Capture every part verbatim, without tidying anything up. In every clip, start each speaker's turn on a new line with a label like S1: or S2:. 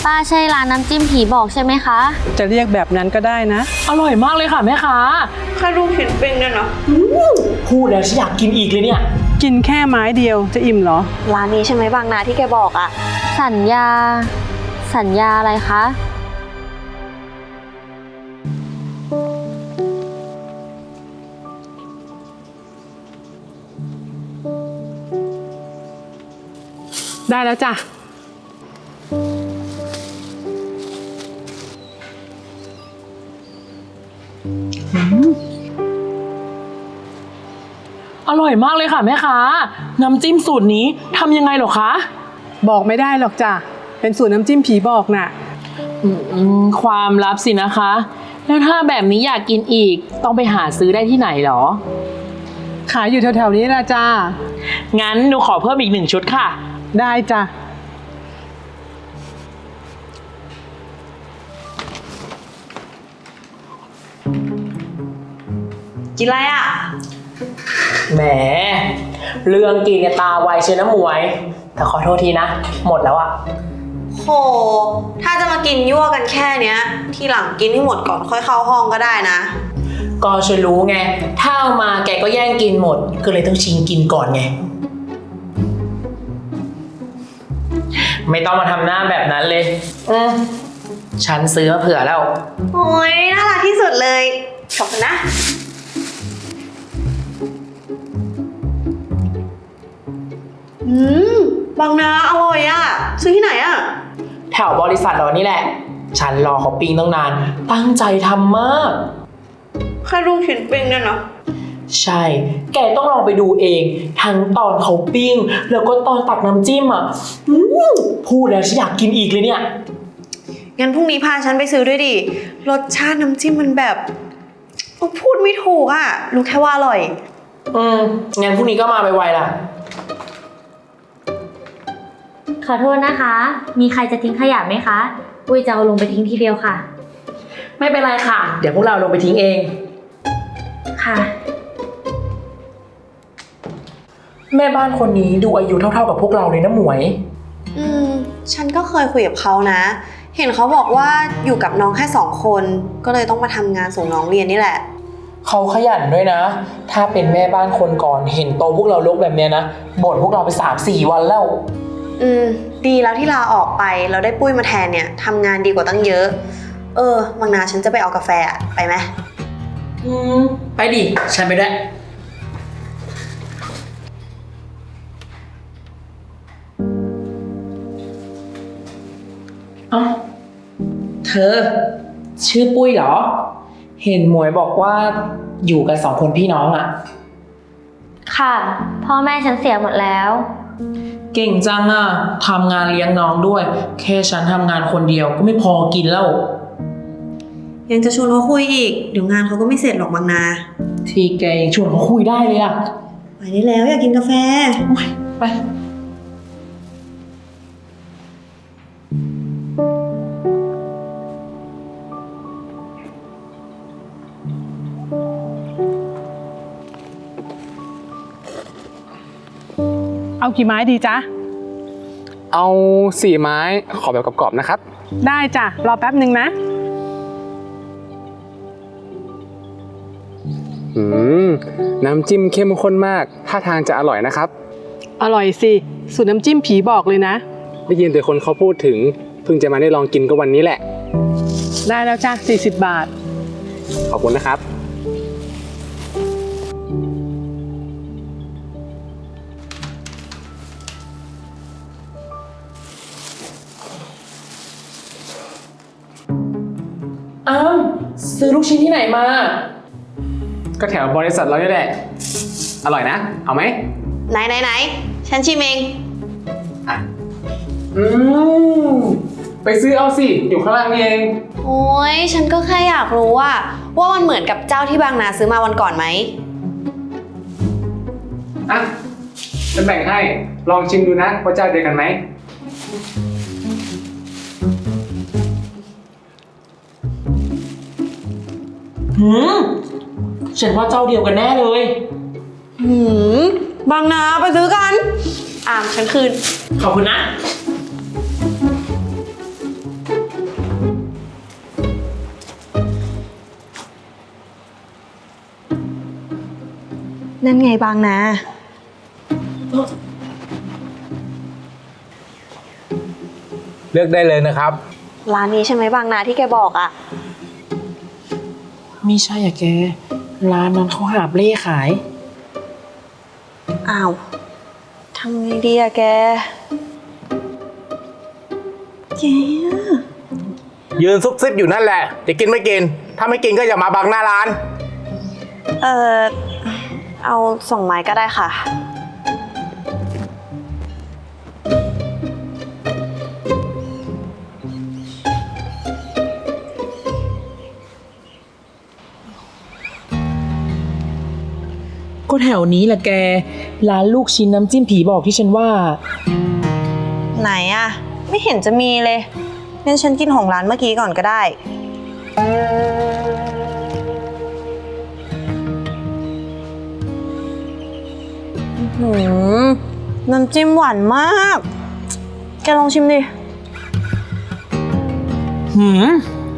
S1: ป้าใช่ร้านน้ำจิ้มผีบอกใช่ไหมคะ
S2: จะเรียกแบบนั้นก็ได้นะ
S3: อร่อยมากเลยค่ะแม่ค้า
S4: แค่ลูกชิ้นปิ้งเนี่ยนะ
S3: พูดแล้วฉันอยากกินอีกเลยเนี่ย
S2: กินแค่ไม้เดียวจะอิ่มเหรอ
S4: ร้านนี้ใช่ไหมบางนาที่แกบอกอะ
S1: สัญญา สัญญาอะไรคะ
S2: ได้แล้วจ้ะ
S3: อร่อยมากเลยค่ะแม่ค้าน้ำจิ้มสูตรนี้ทำยังไงหรอคะ
S2: บอกไม่ได้หรอกจ้ะเป็นสูตรน้ำจิ้มผีบอกน่ะ
S3: ความลับสินะคะแล้วถ้าแบบนี้อยากกินอีกต้องไปหาซื้อได้ที่ไหนหรอ
S2: ขายอยู่แถวๆนี้ละจ้า
S3: งั้นหนูขอเพิ่มอีกหนึ่งชุดค่ะ
S2: ได้จ้ะ
S4: กินอะไรอะ
S3: แหมเรื่องกินเนี่ยตาไวเชียวนะหมวยแต่ขอโทษทีนะหมดแล้วอะ
S4: โหถ้าจะมากินยั่วกันแค่เนี้ยทีหลังกินให้หมดก่อนค่อยเข้าห้องก็ได้นะ
S3: ก็ฉันรู้ไงถ้าเอามาแกก็แย่งกินหมดก็เลยต้องชิงกินก่อนไงไม่ต้องมาทำหน้าแบบนั้นเลยอืมฉันซื้อมาเผื่อแล้ว
S4: โอ้ยน่ารักที่สุดเลยขอบคุณนะอืมบางนาอร่อยอะซื้อที่ไหนอะ
S3: แถวบริษัทเรานี่แหละฉันรอเขาปิ้งตั้งนานตั้งใจทำมาก
S4: แค่ลูกชิ้นปิ้งเนี่ยนะ
S3: ใช่แกต้องลองไปดูเองทั้งตอนเขาปิ้งแล้วก็ตอนตักน้ำจิ้มอ่ะพูดแล้วฉันอยากกินอีกเลยเนี่ย
S4: งั้นพรุ่งนี้พาฉันไปซื้อด้วยดิรสชาติน้ำจิ้มมันแบบพูดไม่ถูกอ่ะรู้แค่ว่าอร่อย
S3: อืมงั้นพรุ่งนี้ก็มาไวๆล่ะ
S1: ขอโทษนะคะมีใครจะทิ้งขยะไหมคะอุ้ยจะเอาลงไปทิ้งทีเดียวค่ะ
S3: ไม่เป็นไรค่ะเดี๋ยวพวกเราลงไปทิ้งเอง
S1: ค่ะ
S3: แม่บ้านคนนี้ดูอายุเท่าๆกับพวกเราเลยนะหมวย
S4: อืมฉันก็เคยคุยกับเขานะเห็นเขาบอกว่าอยู่กับน้องแค่สองคนก็เลยต้องมาทำงานส่งน้องเรียนนี่แหละ
S3: เขาขยันด้วยนะถ้าเป็นแม่บ้านคนก่อนเห็นโตพวกเราลกแบบเนี้ยนะบ่นพวกเราไปสามสี่วันแล้ว
S4: อืมดีแล้วที่ลาออกไปเราได้ปุ้ยมาแทนเนี่ยทำงานดีกว่าตั้งเยอะเออบางนาฉันจะไปเอากาแฟอะไปไหม
S3: อืมไปดิฉันไปด้วยเอ้าเธอชื่อปุ้ยเหรอเห็นหมวยบอกว่าอยู่กันสองคนพี่น้องอ่ะ
S1: ค่ะพ่อแม่ฉันเสียหมดแล้ว
S3: เก่งจังอ่ะทำงานเลี้ยงน้องด้วยแค่ฉันทำงานคนเดียวก็ไม่พอกินแล้ว
S4: ยังจะชวนเขาคุยอีกเดี๋ยวงานเขาก็ไม่เสร็จหรอกบางนา
S3: ทีแกยังชวนเขาคุยได้เลยอ่ะ
S4: ไปได้แล้วอยากกินกาแฟ
S3: ไป
S2: เอากี่ไม้ดีจ๊ะ
S5: เอาสี่ไม้ขอแบบกรอบๆนะครับ
S2: ได้จ้ะรอแป๊บหนึ่งนะ
S5: อืมน้ำจิ้มเข้มข้นมากท่าทางจะอร่อยนะครับ
S2: อร่อยสิสูตรน้ำจิ้มผีบอกเลยนะ
S5: ได้ยินแต่คนเขาพูดถึงเพิ่งจะมาได้ลองกินก็วันนี้แหละ
S2: ได้แล้วจ้ะสี่สิบบาท
S5: ขอบคุณนะครับ
S3: อ้าวซื้อลูกชิ้นที่ไหนมา
S5: ก็แถวบริษัทเรานี่แหละอร่อยนะเอาไหม
S4: ไหนไหนไหนฉันชิมเอง
S5: อ่ะอืมไปซื้อเอาสิอยู่ข้างล่างนี่เอง
S4: โอ้ยฉันก็แค่อยากรู้ว่าว่ามันเหมือนกับเจ้าที่บางนาซื้อมาวันก่อนไหม
S5: อ่ะจะแบ่งให้ลองชิมดูนะว่าเจ้าเดียวกันไหม
S3: หืมฉันว่าเจ้าเดียวกันแน่เลย
S4: หืมบางนาไปซื้อกันอ่ะฉันคืน
S3: ขอบคุณนะ
S4: นั่นไงบางนา
S5: เลือกได้เลยนะครับ
S4: ร้านนี้ใช่ไหมบางนาที่แกบอกอะ
S3: ไม่ใช่อะแก ร้านนั้นเขาหาบเล่ขาย
S4: อ้าวทำไงดีอะแกแก
S5: ยืนซุบซิบอยู่นั่นแหละจะกินไม่กิน ถ้าไม่กินก็อย่ามาบังหน้าร้าน
S4: เออเอาสองไม้ก็ได้ค่ะ
S3: ก็แถวนี้แหละแก ร้านลูกชิ้นน้ำจิ้มผีบอกที่ฉันว่า
S4: ไหนอะไม่เห็นจะมีเลยงั้นฉันกินของร้านเมื่อกี้ก่อนก็ได้หืมน้ำจิ้มหวานมาก แกลองชิมดิ
S3: หืม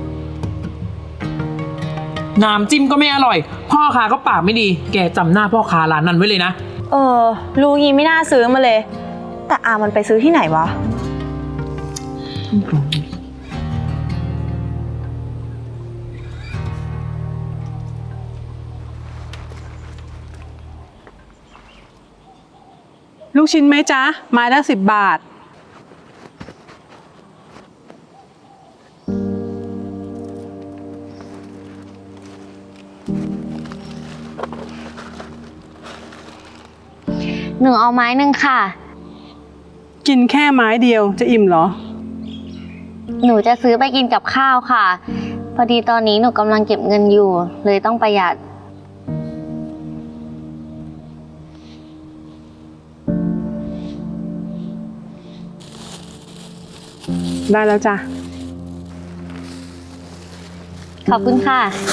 S3: น้ำจิ้มก็ไม่อร่อย พ่อค้าก็ปากไม่ดี แกจำหน้าพ่อค้าร้านนั้นไว้เลยนะ
S4: เออรู้งี้ไม่น่าซื้อมาเลย แต่อามันไปซื้อที่ไหนวะ
S2: ลูกชิ้นไหมจ๊ะ ไม้ละสิบบาท
S1: หนูเอาไม้หนึ่งค่ะ
S2: กินแค่ไม้เดียวจะอิ่มเหรอ
S1: หนูจะซื้อไปกินกับข้าวค่ะ พอดีตอนนี้หนูกำลังเก็บเงินอยู่ เลยต้องประหยัด
S2: ได้แล้วจ้ะ
S1: ขอบคุณค่ะ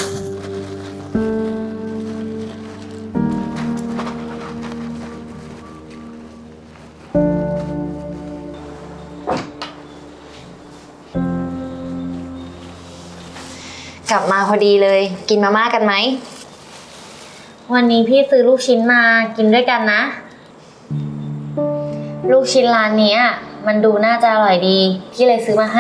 S6: กลับมาพอดีเลยกินมาม่ากันไหม
S1: วันนี้พี่ซื้อลูกชิ้นมากินด้วยกันนะ ลูกชิ้นร้านนี้มันดูน่าจะอร่อยดี พี่เลยซื้อมาให้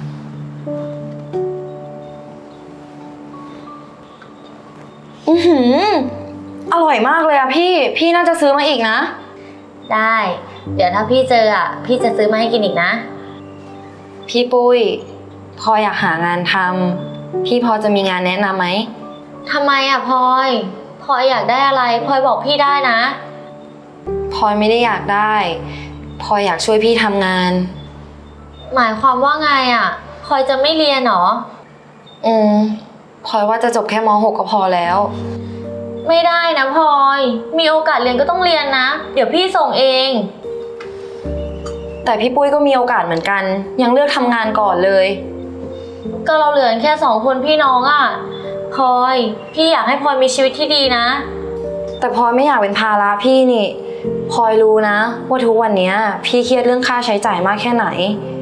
S6: อือหืออร่อยมากเลยอะพี่พี่น่าจะซื้อมาอีกนะ
S1: ได้ เดี๋ยวถ้าพี่เจออ่ะ พี่จะซื้อมาให้กินอีกนะ
S6: พี่ปุ้ยพออยากหางานทำพี่พอจะมีงานแนะนำไหม
S1: ทำไมอ่ะพลอยพลอยอยากได้อะไรพลอยบอกพี่ได้นะ
S6: พลอยไม่ได้อยากได้พลอยอยากช่วยพี่ทำงาน
S1: หมายความว่าไงอ่ะพลอยจะไม่เรียนหรอ
S6: อืมพลอยว่าจะจบแค่ม หก ก็พอแล้ว
S1: ไม่ได้นะพลอยมีโอกาสเรียนก็ต้องเรียนนะ เดี๋ยวพี่ส่งเอง
S6: แต่พี่ปุ้ยก็มีโอกาสเหมือนกันยังเลือกทำงานก่อนเลย
S1: ก็เราเหลือแค่สองคนพี่น้องอ่ะพลอยพี่อยากให้พลอยมีชีวิตที่ดีนะ
S6: แต่พลอยไม่อยากเป็นภาระพี่นี่พลอยรู้นะว่าทุกวันนี้พี่เครียดเรื่องค่าใช้จ่ายมากแค่ไหน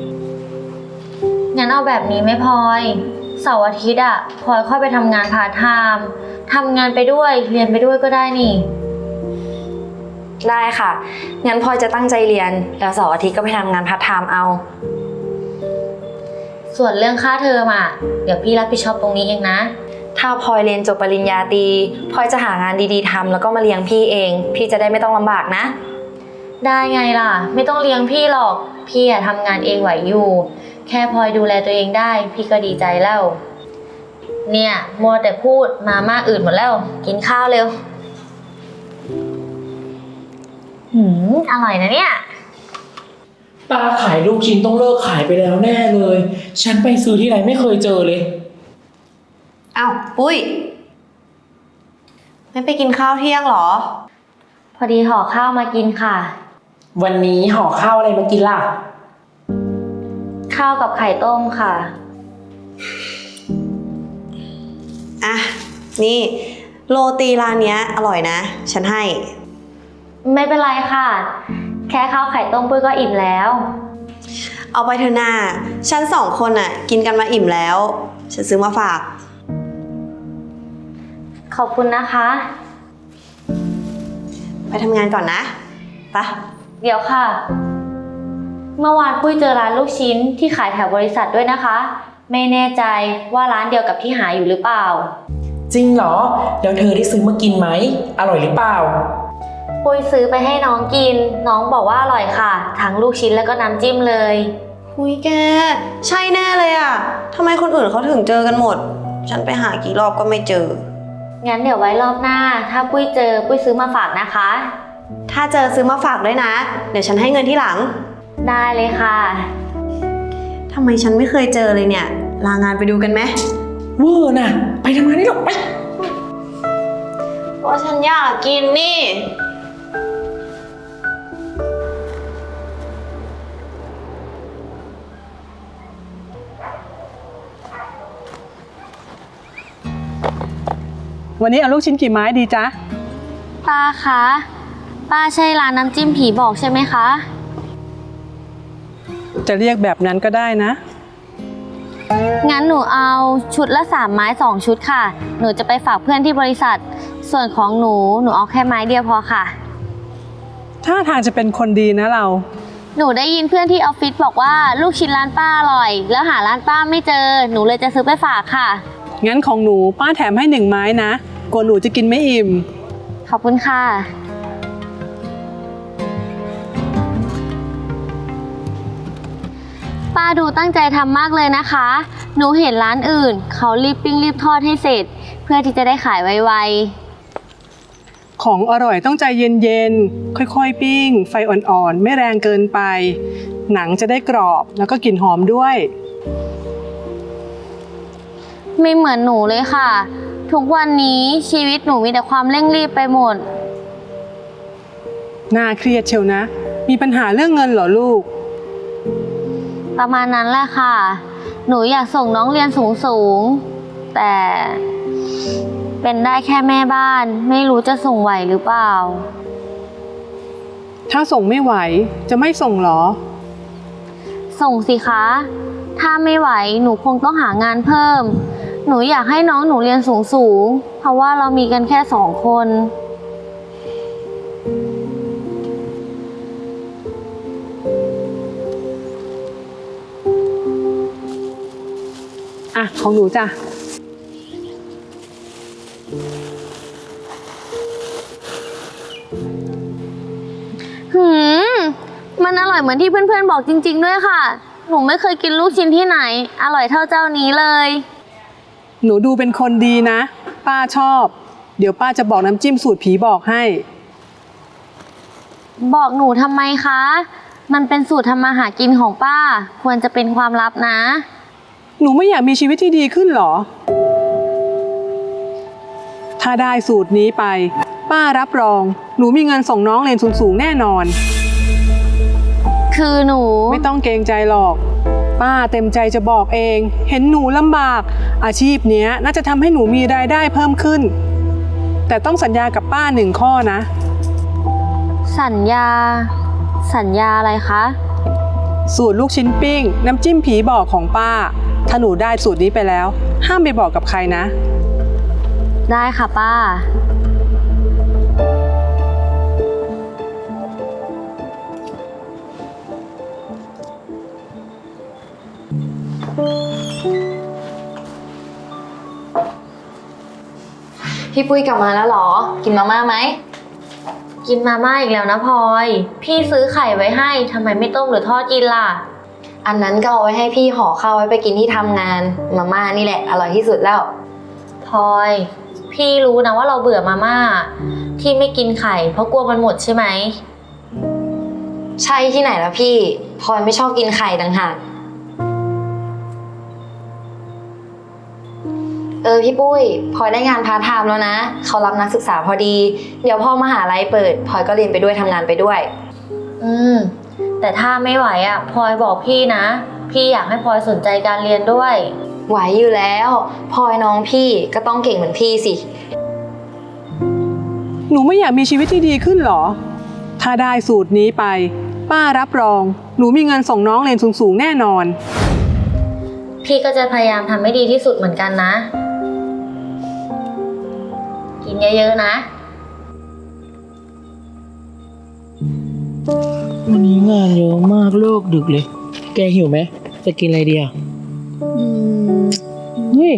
S1: งั้นเอาแบบนี้ไหมพลอยเสาร์อาทิตย์อ่ะพลอยค่อยไปทำงานพาร์ทไทม์ทำงานไปด้วยเรียนไปด้วยก็ได้นี่
S6: ได้ค่ะงั้นพลอยจะตั้งใจเรียนแล้วเสาร์อาทิตย์ก็ไปทำงานพาร์ทไทม์เอา
S1: ส่วนเรื่องค่าเทอมอ่ะเดี๋ยวพี่รับผิดชอบตรงนี้เองนะ
S6: ถ้าพลอยเรียนจบปริญญาตรีพลอยจะหางานดีๆทำแล้วก็มาเลี้ยงพี่เองพี่จะได้ไม่ต้องลำบากนะ
S1: ได้ไงล่ะไม่ต้องเลี้ยงพี่หรอกพี่อะทำงานเองไหวอยู่แค่พลอยดูแลตัวเองได้พี่ก็ดีใจแล้วเนี่ยมัวแต่พูดมาม่าอื่นหมดแล้วกินข้าวเร็วหืมอร่อยนะเนี่ย
S3: ตาขายลูกชิ้นต้องเลิกขายไปแล้วแน่เลย ฉันไปซื้อที่ไหนไม่เคยเจอเลย
S4: อ้าวปุ้ยไม่ไปกินข้าวเที่ยงเหรอ
S1: พอดีห่อข้าวมากินค่ะ
S3: วันนี้ห่อข้าวอะไรมากินล่ะ
S1: ข้าวกับไข่ต้มค่ะ
S4: อ่ะ นี่ โรตีร้านเนี้ยอร่อยนะ ฉันให้
S1: ไม่เป็นไรค่ะ แค่ข้าวไข่ต้มปุ้ยก็อิ่มแล้ว
S4: เอาไปเถอะนาฉันสองคนน่ะ กินกันมาอิ่มแล้ว ฉันซื้อมาฝาก
S1: ขอบคุณนะคะ
S4: ไปทำงานก่อนนะไปะ
S1: เดี๋ยวค่ะ เมื่อวานปุ้ยเจอร้านลูกชิ้นที่ขายแถวบริษัทด้วยนะคะ ไม่แน่ใจว่าร้านเดียวกับที่หาอยู่หรือเปล่า
S3: จริงเหรอ แล้วเธอได้ซื้อมากินไหม อร่อยหรือเปล่า
S1: ปุ้ยซื้อไปให้น้องกิน น้องบอกว่าอร่อยค่ะ ทั้งลูกชิ้นแล้วก็น้ำจิ้มเลย
S4: หุยแก ใช่แน่เลยอะทำไมคนอื่นเขาถึงเจอกันหมด ฉันไปหากี่รอบก็ไม่เจอ
S1: งั้นเดี๋ยวไว้รอบหน้า ถ้าปุ้ยเจอปุ้ยซื้อมาฝากนะคะ
S4: ถ้าเจอซื้อมาฝากด้วยนะ เดี๋ยวฉันให้เงินที่หลัง
S1: ได้เลยค่ะ
S4: ทำไมฉันไม่เคยเจอเลยเนี่ย ลางานไปดูกันไหม
S3: เวอร์น่ะ ไปทำงานนี่หรอกไป
S4: เพราะฉันอยากกินนี่
S2: วันนี้เอาลูกชิ้นกี่ไม้ดีจ๊ะ
S1: ป้าคะ ป้าใช่ร้านน้ำจิ้มผีบอกใช่ไหมคะ
S2: จะเรียกแบบนั้นก็ได้นะ
S1: งั้นหนูเอาชุดละสามไม้สองชุดค่ะ หนูจะไปฝากเพื่อนที่บริษัท ส่วนของหนูหนูเอาแค่ไม้เดียวพอค่ะ
S2: ถ้าทางจะเป็นคนดีนะเรา
S1: หนูได้ยินเพื่อนที่ออฟฟิศบอกว่าลูกชิ้นร้านป้าอร่อย แล้วหาร้านป้าไม่เจอ หนูเลยจะซื้อไปฝากค่ะ
S2: งั้นของหนูป้าแถมให้หนึ่งไม้นะกลัวหนูจะกินไม่อิ่ม
S1: ขอบคุณค่ะ ป้าดูตั้งใจทำมากเลยนะคะ หนูเห็นร้านอื่น เขารีบปิ้งรีบทอดให้เสร็จ เพื่อที่จะได้ขายไว
S2: ของอร่อยต้องใจเย็นๆ ค่อยๆ ปิ้ง ไฟอ่อนๆ ไม่แรงเกินไป หนังจะได้กรอบแล้วก็กลิ่นหอมด้วย
S1: ๆ ไม่เหมือนหนูเลยค่ะ ทุกวันนี้ชีวิตหนูมีแต่ความเร่งรีบไปหมด
S2: น่าเครียดเชียวนะ มีปัญหาเรื่องเงินเหรอลูก
S1: ประมาณนั้นแหละค่ะ หนูอยากส่งน้องเรียนสูงๆ แต่เป็นได้แค่แม่บ้าน ไม่รู้จะส่งไหวหรือเปล่า
S2: ถ้าส่งไม่ไหวจะไม่ส่งเหรอ
S1: ส่งสิคะ ถ้าไม่ไหวหนูคงต้องหางานเพิ่ม หนูอยากให้น้องหนูเรียนสูงๆ เพราะว่าเรามีกันแค่สองคน
S2: อ่ะ ของหนูจ้ะ
S1: หืม มันอร่อยเหมือนที่เพื่อนๆบอกจริงๆด้วยค่ะ หนูไม่เคยกินลูกชิ้นที่ไหน อร่อยเท่าเจ้านี้เลย
S2: หนูดูเป็นคนดีนะ ป้าชอบ เดี๋ยวป้าจะบอกน้ำจิ้มสูตรผีบอกให้
S1: บอกหนูทำไมคะ มันเป็นสูตรทำมาหากินของป้า ควรจะเป็นความลับนะ
S2: หนูไม่อยากมีชีวิตที่ดีขึ้นเหรอ ถ้าได้สูตรนี้ไป ป้ารับรอง หนูมีเงินส่งน้องเรียนสูงๆแน่นอน
S1: คือหนู
S2: ไม่ต้องเกรงใจหรอก ป้าเต็มใจจะบอกเอง เห็นหนูลำบาก อาชีพเนี้ยน่าจะทำให้หนูมีรายได้เพิ่มขึ้น แต่ต้องสัญญากับป้าหนึ่งข้อนะ
S1: สัญญา สัญญาอะไรคะ
S2: สูตรลูกชิ้นปิ้ง น้ำจิ้มผีบอกของป้า ถ้าหนูได้สูตรนี้ไปแล้ว ห้ามไปบอกกับใครนะ
S1: ได้ค่ะป้า
S6: พี่ปุ้ยกลับมาแล้วเหรอ กินมาม่าไหม
S1: กินมาม่าอีกแล้วนะพลอย พี่ซื้อไข่ไว้ให้ทำไมไม่ต้มหรือทอดกินล่ะ
S6: อันนั้นก็เอาไว้ให้พี่ห่อข้าวไว้ไปกินที่ทำงาน มาม่านี่แหละอร่อยที่สุดแล้ว
S1: พลอย พี่รู้นะว่าเราเบื่อมาม่า ที่ไม่กินไข่เพราะกลัวมันหมดใช่ไหม
S6: ใช่ที่ไหนแล้วพี่พลอยไม่ชอบกินไข่ต่างหากเออพี่ปุ้ยพลอยได้งานพาร์ทไทม์แล้วนะเขารับนักศึกษาพอดี เดี๋ยวพอมหาลัยเปิดพลอยก็เรียนไปด้วยทำงานไปด้วย
S1: อืม แต่ถ้าไม่ไหวอ่ะพลอยบอกพี่นะ พี่อยากให้พลอยสนใจการเรียนด้วย
S6: ไหวอยู่แล้วพลอยน้องพี่ก็ต้องเก่งเหมือนพี่สิ
S2: หนูไม่อยากมีชีวิตที่ดีขึ้นเหรอ ถ้าได้สูตรนี้ไป ป้ารับรอง หนูมีเงินส่งน้องเรียนสูงๆแน่นอน
S1: พี่ก็จะพยายามทำให้ดีที่สุดเหมือนกันนะ กินเยอะๆนะ
S3: วันนี้งานเยอะมากเลิกดึกเลย แกหิวไหมจะกินอะไรดีอ่ะ
S4: อืม
S3: เฮ้ย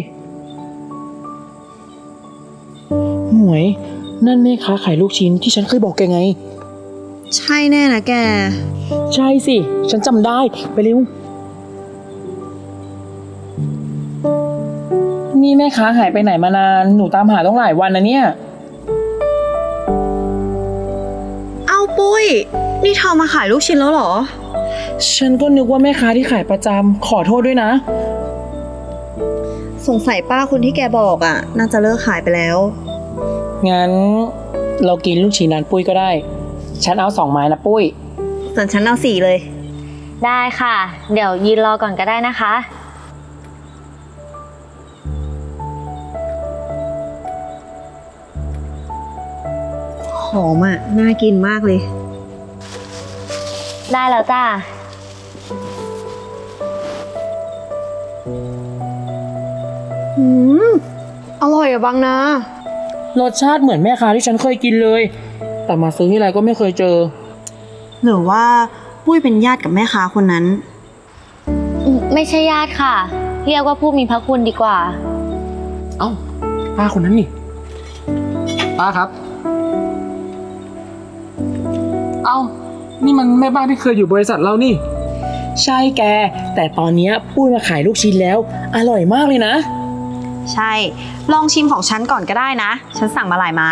S3: หมวย นั่นแม่ค้าขายลูกชิ้นที่ฉันเคยบอกแกไง
S4: ใช่แน่นะแก
S3: ใช่สิ ฉันจำได้ ไปเร็ว นี่แม่ค้าหายไปไหนมานาน หนูตามหาต้องหลายวันนะเนี่ย
S4: เอ้าปุ้ย นี่เธอมาขายลูกชิ้นแล้วเหรอ
S3: ฉันก็นึกว่าแม่ค้าที่ขายประจำขอโทษด้วยนะ
S4: สงสัยป้าคนที่แกบอกอ่ะ น่าจะเลิกขายไปแล้ว
S3: งั้นเรากินลูกชิ้นร้านปุ้ยก็ได้ ฉันเอาสองไม้นะปุ้ย
S4: ส่วนฉันเอาสี่เลย
S1: ได้ค่ะ เดี๋ยวยืนรอก่อนก็ได้นะคะ
S4: หอมอ่ะ น่ากินมากเลย
S1: ได้แล้วจ้า
S4: อืม อร่อยอะบางนา
S3: รสชาติเหมือนแม่ค้าที่ฉันเคยกินเลย แต่มาซื้อที่ไรก็ไม่เคยเจอ
S4: หรือว่าปุ้ยเป็นญาติกับแม่ค้าคนนั้น
S1: ไม่ใช่ญาติค่ะ เรียกว่าผู้มีพระคุณดีกว่า
S5: เอ้าป้าคนนั้นนี่ ป้าครับ เอ้า นี่มันแม่บ้านที่เคยอยู่บริษัทเรานี่
S3: ใช่แก แต่ตอนเนี้ยปุ้ยมาขายลูกชิ้นแล้ว อร่อยมากเลยนะ
S4: ใช่ ลองชิมของฉันก่อนก็ได้นะ ฉันสั่งมาหลายไม้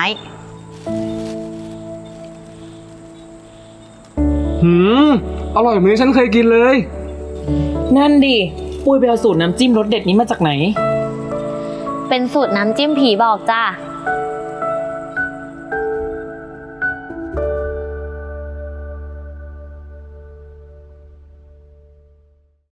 S5: หืม อร่อยเหมือนที่ฉันเคยกินเลย
S3: นั่นดิ ปุ้ยไปเอาสูตรน้ำจิ้มรสเด็ดนี้มาจากไหน
S1: เป็นสูตรน้ำจิ้มผีบอกจ้า